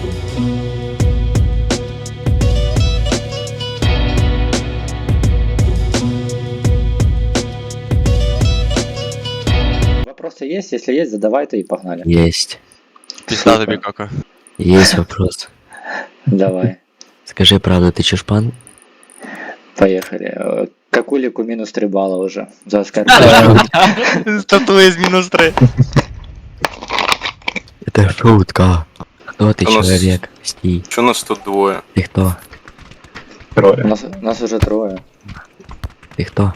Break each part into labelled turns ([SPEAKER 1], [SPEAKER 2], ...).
[SPEAKER 1] Вопросы есть? Если есть, задавайте и погнали.
[SPEAKER 2] Есть.
[SPEAKER 3] Пизда тобі кака.
[SPEAKER 2] Есть вопрос.
[SPEAKER 1] Давай,
[SPEAKER 2] Скажи правду, ты чушпан?
[SPEAKER 1] поехали. Какулику минус 3 балла уже. За скайп.
[SPEAKER 3] Статуя з мінус 3.
[SPEAKER 2] Это шутка. Кто ты,
[SPEAKER 4] У нас-
[SPEAKER 2] человек? Стій.
[SPEAKER 4] Чё нас тут двое?
[SPEAKER 2] Ты кто?
[SPEAKER 5] Трое.
[SPEAKER 1] Нас уже трое.
[SPEAKER 2] Ты кто?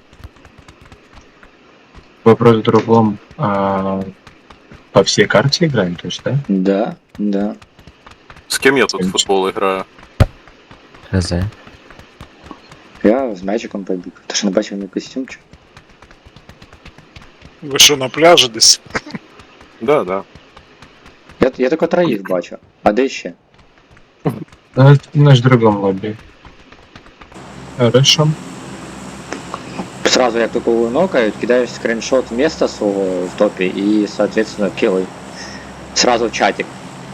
[SPEAKER 5] Вопрос в другом. По всей карте играем, то есть, да?
[SPEAKER 1] Да, да.
[SPEAKER 4] С кем я тут в футбол играю?
[SPEAKER 2] ХЗ.
[SPEAKER 1] Я с мячиком побіг. Ти що не бачив мій костюмчик?
[SPEAKER 6] Ви що на пляжі десь?
[SPEAKER 4] Да, да.
[SPEAKER 1] Я тільки троїх бачу. А де ще?
[SPEAKER 5] Наш в другом лобби. Хорошо.
[SPEAKER 1] Сразу як тільки його нокають, кидаєш скриншот места свого в топі і, соответственно, килай. Сразу в чатик.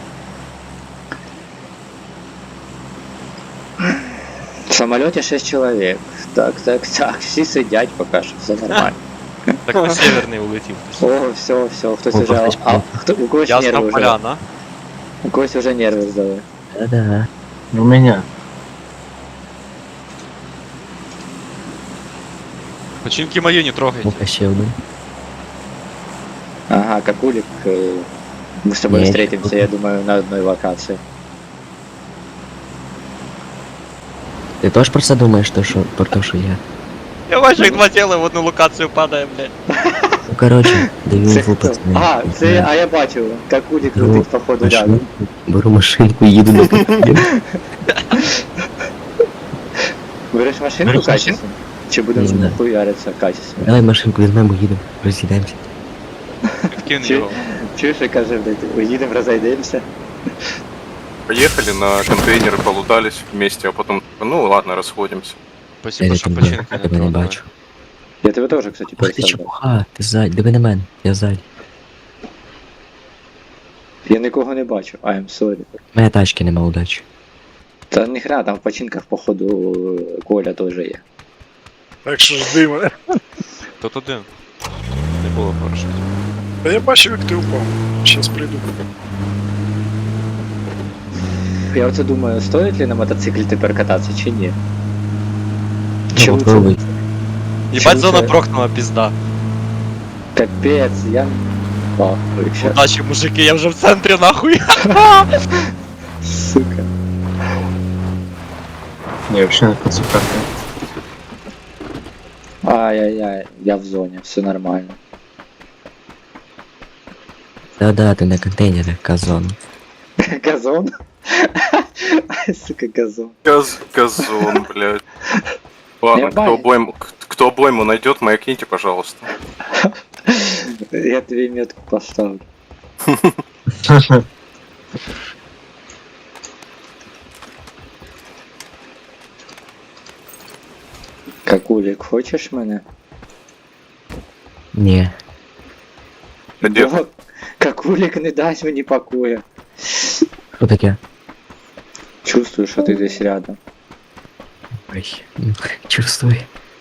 [SPEAKER 1] В самолете 6 человек. Так, всі сидять поки що, все нормально.
[SPEAKER 3] Так на северний улетів.
[SPEAKER 1] О, все, хтось
[SPEAKER 2] О,
[SPEAKER 1] уже...
[SPEAKER 2] хтось
[SPEAKER 1] У когось нерви
[SPEAKER 3] Ясна
[SPEAKER 1] вже.
[SPEAKER 3] поляна.
[SPEAKER 1] У когось вже нерви здали.
[SPEAKER 2] Да-да.
[SPEAKER 5] У меня.
[SPEAKER 3] Починки мої не трогайте.
[SPEAKER 2] Ну-ка, ще один.
[SPEAKER 1] Ага, Какулик, мы с тобой
[SPEAKER 2] Нет.
[SPEAKER 1] встретимся, я думаю, на одной локации.
[SPEAKER 2] Ты тоже про це думаєш, про то, що я?
[SPEAKER 3] Я бачу, як два тіла в одну локацію падає, блядь.
[SPEAKER 2] Ну, короче, даю
[SPEAKER 1] Це
[SPEAKER 2] інфу,
[SPEAKER 1] хто?
[SPEAKER 2] пацани.
[SPEAKER 1] А я бачив, Какулик
[SPEAKER 2] Беру
[SPEAKER 1] летить походу рядом.
[SPEAKER 2] машинку, беру машинку, їду на під'їзд.
[SPEAKER 1] Береш машинку
[SPEAKER 3] Береш
[SPEAKER 1] качественно? Чи
[SPEAKER 2] Не
[SPEAKER 1] будемо
[SPEAKER 2] знаю.
[SPEAKER 1] хуяриться качественно?
[SPEAKER 2] Давай машинку візьмемо, їдемо, роз'їдемося.
[SPEAKER 3] Вкинь
[SPEAKER 1] Чи-
[SPEAKER 3] його.
[SPEAKER 1] Чуєш, я кажу, блядь, уїдемо, розійдемося.
[SPEAKER 4] Поехали на контейнеры, полутались вместе, а потом, ну ладно, расходимся.
[SPEAKER 3] Спасибо, що
[SPEAKER 2] тебе
[SPEAKER 3] починки не
[SPEAKER 2] не
[SPEAKER 3] трогали.
[SPEAKER 2] бачу.
[SPEAKER 1] Я тебе теж, кстати,
[SPEAKER 2] Ах ти
[SPEAKER 1] перестав.
[SPEAKER 2] чепуха, ти ззаді, диви на мене, я ззаді.
[SPEAKER 1] Я нікого не бачу, I'm sorry.
[SPEAKER 2] У мене тачки нема, удачі.
[SPEAKER 1] Та ніхрена, там в починках, походу, Коля теж є.
[SPEAKER 6] Так що жди мене.
[SPEAKER 3] Тут один. Не було парашутів.
[SPEAKER 6] Та я бачив, як ти упав. Щас прийду.
[SPEAKER 1] Я оце думаю, стоїть ли на мотоциклі тепер кататися чи ні?
[SPEAKER 2] Ну,
[SPEAKER 1] Чому це?
[SPEAKER 2] попробуй.
[SPEAKER 3] Їбать,
[SPEAKER 1] Чим
[SPEAKER 3] зона
[SPEAKER 1] це?
[SPEAKER 3] прокнула, пізда.
[SPEAKER 1] Капець, я... Пахую, щас.
[SPEAKER 3] Удачі, мужики, я вже в центрі, нахуй.
[SPEAKER 1] Сука.
[SPEAKER 5] Не, вообще на конце карты.
[SPEAKER 1] Ай-яй-яй, я в зоні, все нормально.
[SPEAKER 2] Да-да, ти на контейнерах, казон.
[SPEAKER 1] Газон? Ай, сука, газон.
[SPEAKER 4] Газон, блядь. Ладно,
[SPEAKER 1] Я баню.
[SPEAKER 4] кто обойму найдет, маякните, пожалуйста.
[SPEAKER 1] Я тебе метку поставлю. Какулик, хочеш мене?
[SPEAKER 2] Ні.
[SPEAKER 4] Где?
[SPEAKER 1] Бо Какулик не дасть мені покоя.
[SPEAKER 2] Що таке?
[SPEAKER 1] Чувствую, що ти десь рядом.
[SPEAKER 2] Ой, чувствую.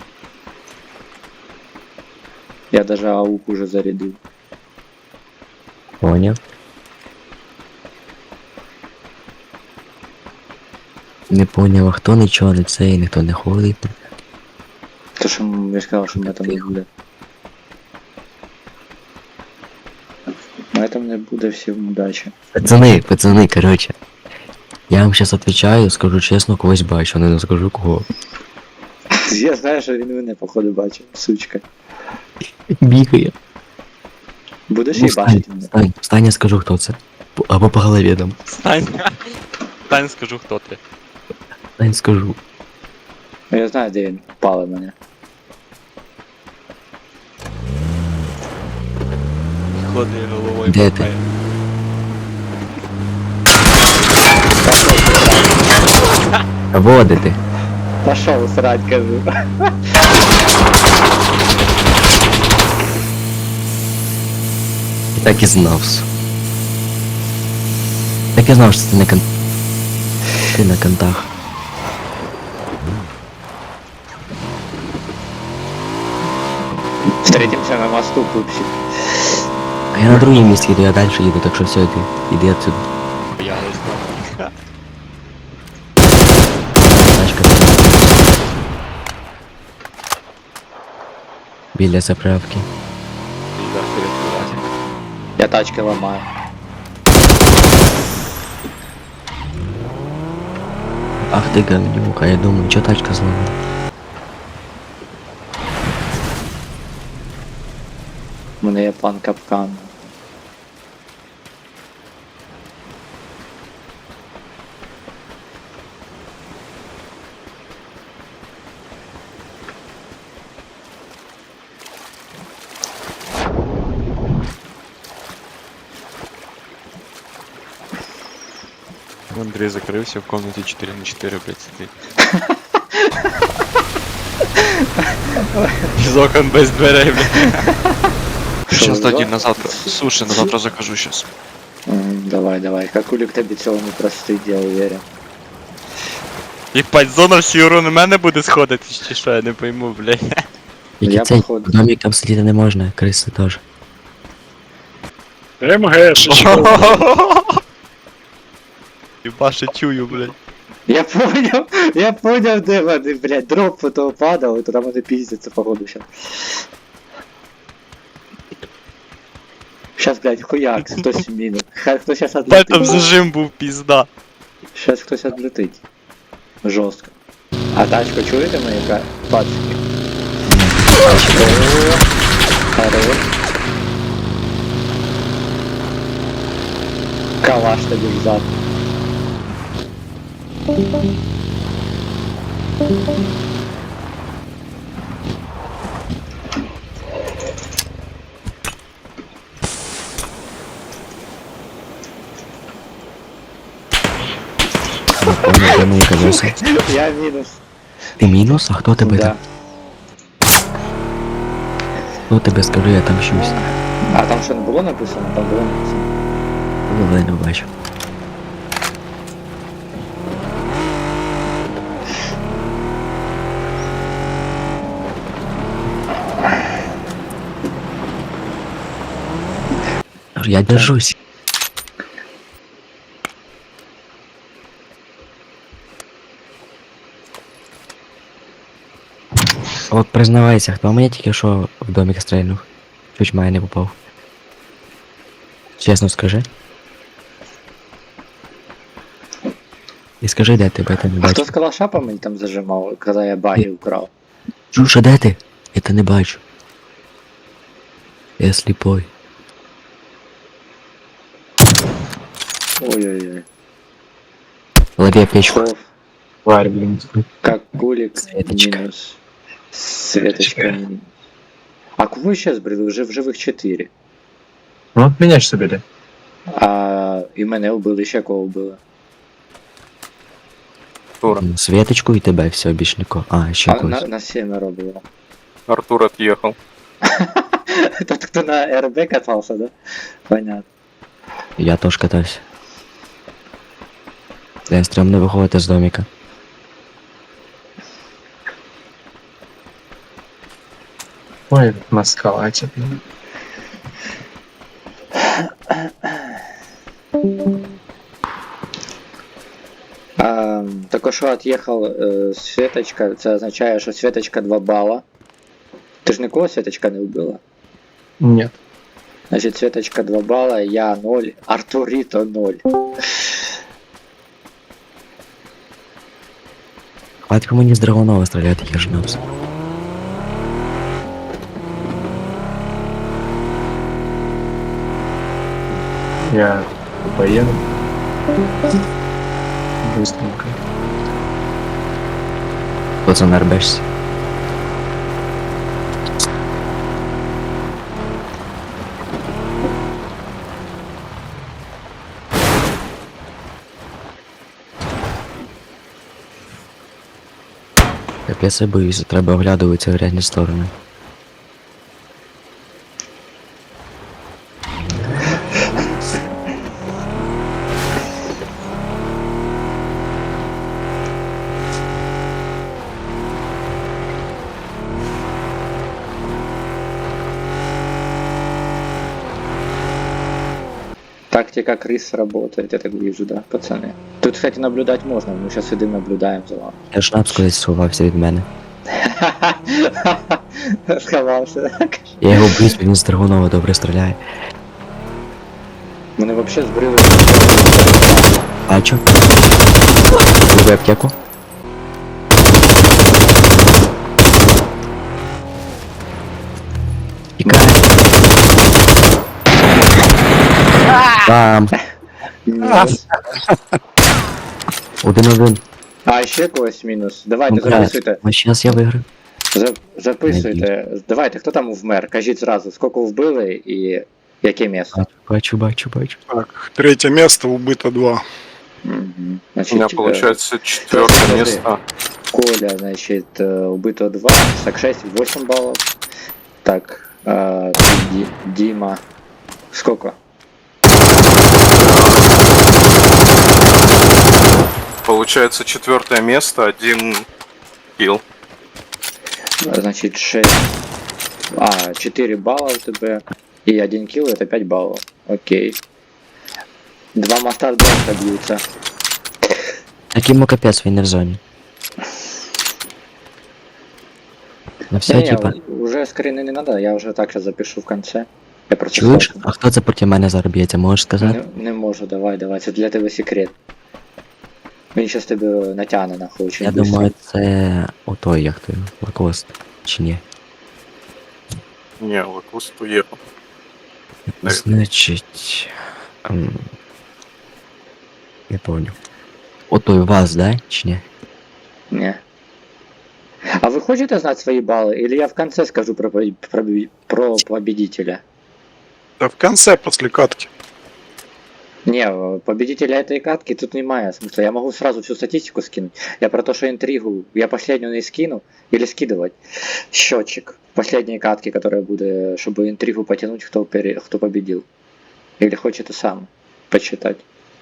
[SPEAKER 1] Я даже аук уже зарядив.
[SPEAKER 2] Поняв. Не поняв, а хто нічого не це і ніхто не ходить.
[SPEAKER 1] То що я сказав, що мене там не буде. Мене там не буде, всім удачі.
[SPEAKER 2] Пацани, короче. Я вам сейчас отвечаю, скажу чесно, когось бачу, але не скажу кого.
[SPEAKER 1] Я знаю, що він мене походу бачив, сучка.
[SPEAKER 2] Бігає.
[SPEAKER 1] Будеш
[SPEAKER 2] Ну,
[SPEAKER 1] її бачити мене?
[SPEAKER 2] Встань, я скажу, хто це. Або по голові дам.
[SPEAKER 3] Стань. Стань, скажу, хто ти.
[SPEAKER 2] Встань, скажу.
[SPEAKER 1] Ну, я знаю, де він пали мене.
[SPEAKER 3] Ходи головою.
[SPEAKER 2] Де
[SPEAKER 3] махає.
[SPEAKER 2] Або де ти?
[SPEAKER 1] Пошел срать, кажу.
[SPEAKER 2] І так і знав. Так я знав, що ти на кон... Ти на контах.
[SPEAKER 1] Встретимся на мосту, пупсик.
[SPEAKER 2] А я на другому місці їду, я далі їду, так що все, іди отсюди.
[SPEAKER 3] Я не знаю.
[SPEAKER 2] Тачка. Біля заправки.
[SPEAKER 3] Да, вперед, вилазь.
[SPEAKER 1] Я тачки ломаю.
[SPEAKER 2] Ах ти говнюк, а я думаю, чо тачка зламана?
[SPEAKER 1] У мене є план капкан.
[SPEAKER 3] Андрей закрывся в комнате 4×4, блядь, сидит. Из окон без дверей, блядь. Сейчас
[SPEAKER 1] Что,
[SPEAKER 3] дадим
[SPEAKER 1] да?
[SPEAKER 3] на завтра. Слушай, на завтра закажу сейчас.
[SPEAKER 1] Давай, давай. Как улик тобі цього не простить, я уверен.
[SPEAKER 3] Єбать, зона всі урон у мене буде сходити, чи що, я не пойму, блядь.
[SPEAKER 2] Які
[SPEAKER 1] Я,
[SPEAKER 2] цей
[SPEAKER 1] походу.
[SPEAKER 2] домик там сидіти не можна, криси теж.
[SPEAKER 6] МГшечка.
[SPEAKER 3] Єба, ще чую, блядь.
[SPEAKER 1] Я понял, де вони, блядь, дроп потом падав, і туди вони піздяться, походу, щас. Щас, блядь, хуяк, хтось мінус. Хай хтось щас
[SPEAKER 3] Бать, там
[SPEAKER 1] отлетить.
[SPEAKER 3] зажим був, пізда.
[SPEAKER 1] Щас хтось отлетить. Жорстко. А тачку чуєте мої пацики? Хорош. Калаш тобі взад.
[SPEAKER 2] Не понял, де мої колеса.
[SPEAKER 1] Я мінус.
[SPEAKER 2] Ти мінус? А хто тебе
[SPEAKER 1] Да.
[SPEAKER 2] там? Хто тебе скажи, я там щось.
[SPEAKER 1] А там що не було написано? Там було написано.
[SPEAKER 2] Але не бачу. Я держусь. От признавайся, хто мені тільки що в домик стрельнув? Чуть має не попав. Чесно скажи. І скажи, де ти, бо я тебе не
[SPEAKER 1] А хто
[SPEAKER 2] бачу.
[SPEAKER 1] з калаша по мені там зажимав, коли я баги украв?
[SPEAKER 2] Жуша, де ти? Я тебе не бачу. Я сліпой.
[SPEAKER 1] Ой-ой-ой.
[SPEAKER 2] Лови печку.
[SPEAKER 1] Шов,
[SPEAKER 5] Тварь, блин.
[SPEAKER 1] как кулик,
[SPEAKER 2] Светочка.
[SPEAKER 1] минус. Светочка минус. А кого сейчас брали? Уже в живих 4.
[SPEAKER 5] Ну, от меня ж собі.
[SPEAKER 1] А і мене вбили, ще кого вбили.
[SPEAKER 4] Артур,
[SPEAKER 2] Светочку і тебе, все, більш нікого. А, ще
[SPEAKER 1] А
[SPEAKER 2] когось.
[SPEAKER 1] на 7 було.
[SPEAKER 4] Артур отъехал.
[SPEAKER 1] Тот, кто на РБ катался, да? Понятно.
[SPEAKER 2] Я теж катався. Я стрімно виходити з домика.
[SPEAKER 5] Ой, на скалате.
[SPEAKER 1] Только що отъехал Светочка, це означає, що Светочка 2 бала. Ти ж нікого Светочка не вбила?
[SPEAKER 5] Нет.
[SPEAKER 1] Значить, Светочка 2 бала, я 0, Артурито 0.
[SPEAKER 2] Хватит мені з Драгунова стріляти, я ж нос.
[SPEAKER 5] Я поеду. Быстренько.
[SPEAKER 2] Хто це нарбешся? Капець, я боюся, треба оглядуватися в різні сторони.
[SPEAKER 1] тактика крыс работает, я так вижу, да, пацаны? Тут, кстати, наблюдать можно, мы сейчас сидим, наблюдаем за вами.
[SPEAKER 2] Я шнапс колись сховався від мене.
[SPEAKER 1] Сховався.
[SPEAKER 2] Я його близь, він з Драгунова добре стріляє.
[SPEAKER 1] Мене вообще збрили.
[SPEAKER 2] Бачу. Люби аптеку. Тікає. Там.
[SPEAKER 1] Мінус.
[SPEAKER 2] 1-1.
[SPEAKER 1] А, ще когось мінус. Давайте,
[SPEAKER 2] Ну,
[SPEAKER 1] записуйте.
[SPEAKER 2] Ну, зараз я виграю.
[SPEAKER 1] Записуйте. Давайте, хто там вмер? Кажіть зразу, скільки вбили і яке місце.
[SPEAKER 2] Бачу.
[SPEAKER 6] Так, третье место, убито 2.
[SPEAKER 1] Мгм.
[SPEAKER 4] У меня
[SPEAKER 1] Значить,
[SPEAKER 4] получается четвертое
[SPEAKER 1] подожди.
[SPEAKER 4] место.
[SPEAKER 1] Коля, значит, убито 2, так 6, 8 баллов. Так, Дима, сколько?
[SPEAKER 4] Получается четвертое место, 1 килл.
[SPEAKER 1] Значит, 6, 4 балла у тебя, и 1 килл, это 5 баллов. Окей. 2 моста в дом бьются.
[SPEAKER 2] Так йому капець, він не в зоні. На все,
[SPEAKER 1] Не,
[SPEAKER 2] типа.
[SPEAKER 1] уже скрины не надо, я уже так сейчас запишу в конце. Я просто
[SPEAKER 2] Чуєш?
[SPEAKER 1] сразу.
[SPEAKER 2] А хто це проти мене зараз б'ється, можеш сказати?
[SPEAKER 1] Не можу, давай, це для тебе секрет. Він щас тебе натягне нахуй очень
[SPEAKER 2] Я
[SPEAKER 1] быстро.
[SPEAKER 2] думаю, це отой, як той, Лакост. Чи ні?
[SPEAKER 4] Не, Лакост уехал.
[SPEAKER 2] Значить. Не помню. Отой вас, да? Чи ні?
[SPEAKER 1] Не. А вы хотите знать свои баллы? Или я в конце скажу про победителя?
[SPEAKER 6] Да в конце, после катки.
[SPEAKER 1] Не, победителя этой катки тут немає смысла. Я могу сразу всю статистику скинуть. Я про то, что интригу, я последнюю не скину. Или скидывать счетчик последней катки, которая будет, чтобы интригу потянуть, кто победил. Или хочет и сам почитать.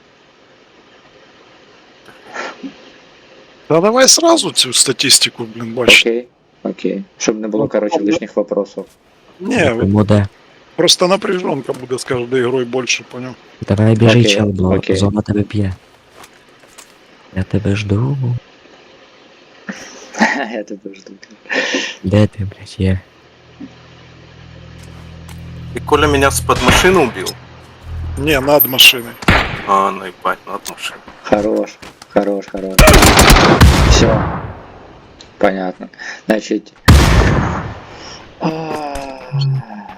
[SPEAKER 6] Да давай сразу цю статистику, блин, бачить.
[SPEAKER 1] Окей. Чтобы не было, короче, лишних вопросов.
[SPEAKER 6] Не, вот
[SPEAKER 2] Моде.
[SPEAKER 6] просто напряженка буде з кожною ігрою більше, поняв?
[SPEAKER 2] Давай біжи,
[SPEAKER 1] Окей,
[SPEAKER 2] чел, бо
[SPEAKER 1] окей.
[SPEAKER 2] зона тебе п'є. Я тебе жду.
[SPEAKER 1] Я тебя жду.
[SPEAKER 2] Де ти, блядь, є?
[SPEAKER 4] И Коля меня с-под машины убил?
[SPEAKER 6] Не, над машиною.
[SPEAKER 4] А, наебать, над машиной.
[SPEAKER 1] Хорош. Все. Понятно. Значит.